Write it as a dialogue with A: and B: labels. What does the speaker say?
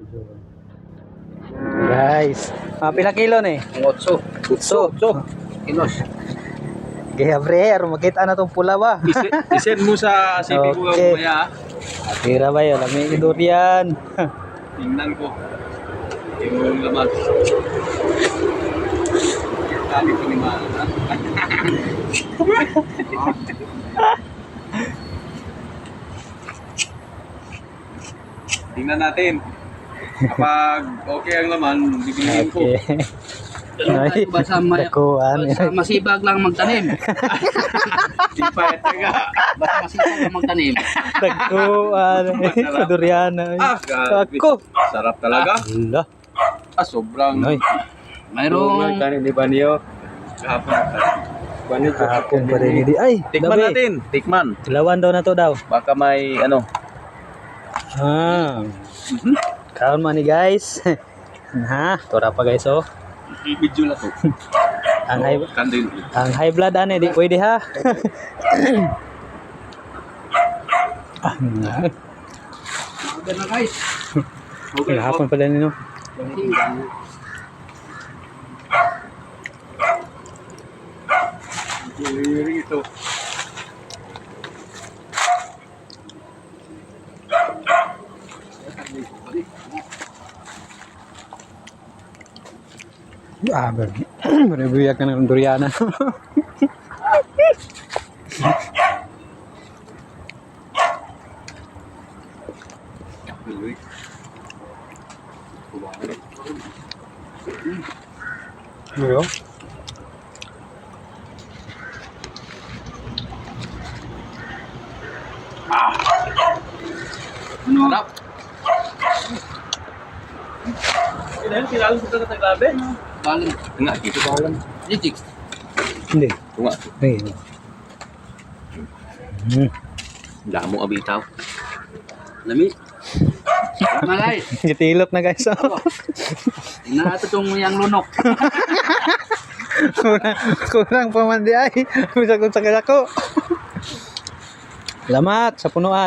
A: Guys, pila kilo ni?
B: 8 kilos.
A: Kaya pre, makita na tong pula ba?
B: Isend mo sa CP ko
A: Okay.
B: mamaya.
A: Tira ba yun? Lami ni durian.
B: Tingnan ko. Yung laman. Sabi ko ni Mana. Tingnan natin. Kapag okay ang laman, bibiliin ko.
A: Okay. Ay,
C: Basta
A: dakuan.
C: masibag lang magtanim.
B: Di pa talaga.
C: Basta masibag lang magtanim.
A: Dakuan. Sa durian.
B: Grabe.
A: Ako.
B: Sarap talaga.
A: Ala.
B: Sobrang.
A: Noy.
C: Mayroong
B: Kanin ni Banyo. Kahapon.
A: Kahapon pa rin hindi. Ay,
B: Tikman
A: gabi.
B: natin. Tikman.
A: Ilawan daw na to daw.
B: Baka may ano.
A: Kaon man ni guys. Ha, tora pa guys oh.
B: Video na to. Kandil.
A: Ang high blood ane di pwede ha.
C: okay na guys.
A: Okay, hapon pala nino.
B: Ito.
A: Ah, berbiyak ka ng duriana. Yo.
B: Harap. Kailan kilala sa Tagalog?
C: Baling.
B: Nga, dito ba alam?
C: Litik.
A: Hindi.
B: Tunga.
A: Hindi.
B: Damo abitaw.
C: Lami. Malay.
A: Gitilok na guys.
C: Tingnan natin itong yang lunok.
A: Kurang pa man di ay. Bisa kung sa ko. Salamat sa punuan.